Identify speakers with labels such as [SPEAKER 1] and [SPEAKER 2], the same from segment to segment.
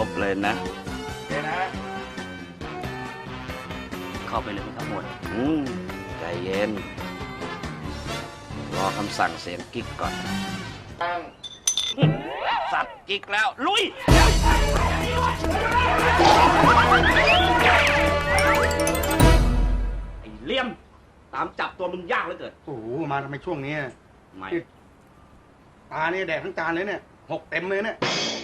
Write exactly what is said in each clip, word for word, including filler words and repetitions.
[SPEAKER 1] บเลยนะ
[SPEAKER 2] โอเคนะ
[SPEAKER 1] เข้าไปเลยทั้งหมดอืมใจเย็น รอคำสั่งเสียงกิ๊กก่อน
[SPEAKER 2] ตั้ง
[SPEAKER 1] สัตว์กิ๊กแล้ว ลุย ไอ้เลี่ยม ตามจับตัวมึงยากเหลือเกิน
[SPEAKER 2] โอ้โหมาทำไมช่วงนี้
[SPEAKER 1] ไม่
[SPEAKER 2] ตาเนี่ยแดกทั้งจานเลยเนี่ยหกเต็มเลยเนี่ย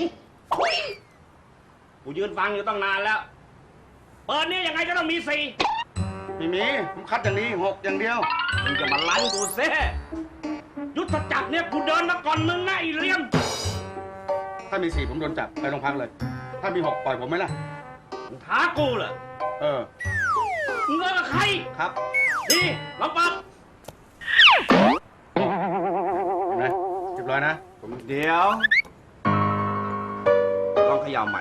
[SPEAKER 1] กูยืนฟังอยู่ตั้งนานแล้ว เปิดนี่ยังไงก็ต้องมีสี่
[SPEAKER 2] ไม่มีผมคัดอย่างนี้หกอย่างเดียว
[SPEAKER 1] มึงจะมาลั่นกูเซ่ยุทธจักรเนี่ยกูเดินมาก่อนมึงนะไอ้เลี่ยม
[SPEAKER 2] ถ้ามีสี่ผมโดนจับไปโรงพักเลย ถ้ามีหกปล่อยผมไหมล่ะ
[SPEAKER 1] มึงท้ากูเหรอ
[SPEAKER 2] เออ
[SPEAKER 1] มึงเลิกกับใคร
[SPEAKER 2] ครับ
[SPEAKER 1] นี่ลองเปิด
[SPEAKER 2] เห็นไหมเรียบร้อยนะผม
[SPEAKER 1] เดี๋ยว ลองเขย่าใหม่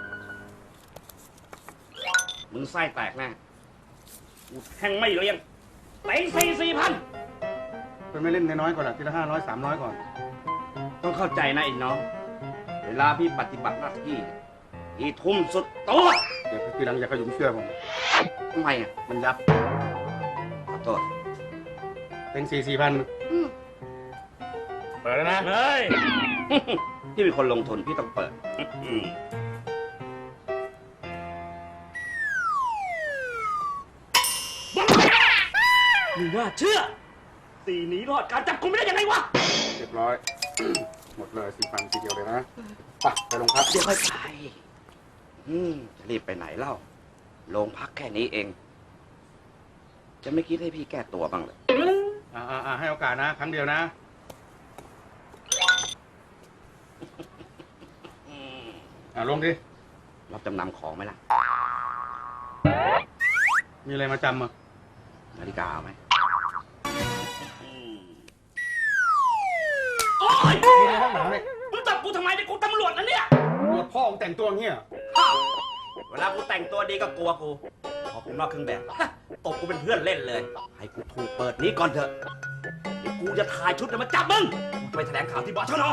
[SPEAKER 1] มึงไส้แตกแน่กูแทงไม่เลี้ยงเต็งสี่สี่พัน
[SPEAKER 2] เป็นไม่เล่นน้อยๆก่อนละทีละห้าร้อยสามร้อยก่อน
[SPEAKER 1] ต้องเข้าใจนะไอ้น้อง เวลาพี่ปฏิบัติหน้าที่พี่ทุ่มสุดตัว
[SPEAKER 2] เดี๋ยวทีหลังอย่าขยุมเชื่อผม
[SPEAKER 1] ทำไมอ่ะ
[SPEAKER 2] มันยับ
[SPEAKER 1] ขอโทษ
[SPEAKER 2] เป็นสี่สี่พันเปิดแล้วนะ
[SPEAKER 1] เฮ้ย พี่เป็นคนลงทุนพี่ต้องเปิด มึงว่าเชื่อตีหนีรอดการจับกุมไม่ได้ยังไงวะ
[SPEAKER 2] เรียบร้อย หมดเลยสี่พันทีเดียวเลยนะไปไปโรงพัก
[SPEAKER 1] เดี๋ยวค่อยไปอืมจะรีบไปไหนเล่า โรงพักแค่นี้เอง จะไม่คิดให้พี่แก้ตัวบ้างเลย
[SPEAKER 2] อ่าอ่าให้โอกาสนะ ครั้งเดียวนะ อ่าลงดิ
[SPEAKER 1] รับจำนำของไหมล่ะ
[SPEAKER 2] มีอะไรมาจำอ่ะ
[SPEAKER 1] นาฬิกาเอาไหมโอ๊ย
[SPEAKER 2] มีในห้องหนังเนี่ย
[SPEAKER 1] มึงจับกูทำไมเนี่ยกูตำรวจนะเนี่ย
[SPEAKER 2] ตรวจพ่อของแต่งตัวอย่างเงี้ย
[SPEAKER 1] อ้าวเวลากูแต่งตัวดีก็กลัวกู พอกูนอกเครื่องแบบฮะตบกูเป็นเพื่อนเล่นเลย ให้กูถูกเปิดนี้ก่อนเถอะเดี๋ยวกูจะถ่ายชุดแล้วมาจับมึงกูจะไปแถลงข่าวที่บชน.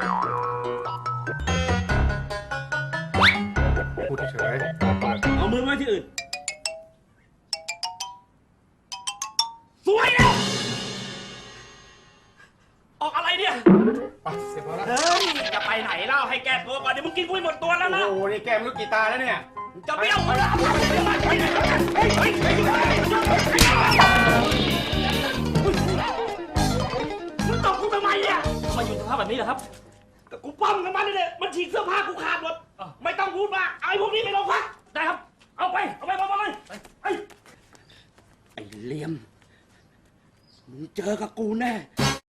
[SPEAKER 2] พูดเฉย
[SPEAKER 1] เอามือไว้ที่อื่น สวยแล้วออกอะไรเนี่ย
[SPEAKER 2] ไปเสร็จแล้วนะ
[SPEAKER 1] เฮ้ย จะไปไหนเล่าให้แก้ตัวก่อนเดี๋ยวมึงกินกูให้หมดตัวแล้วนะ
[SPEAKER 2] โอ้โหนี่แกมลูกกีตาร์แล้วเนี่ย
[SPEAKER 1] จะเบี้ยวเหรอไปไหนแล้วกันเฮ้ยเฮ้ยเฮ้ยมึงตบกูทำไมอ่ะทำไมอยู่สภาพแบบนี้เหรอครับก็กูปั้มกันมาเนี่ยมันฉีกเสื้อผ้ากูขาดหมดไม่ต้องพูดมากเอาไอ้พวกนี้ไปโรงพักได้ครับ เอาไป เอาไปเอาไปเลยไอ้ไอ้เหลี่ยมมึงเจอกับกูแน่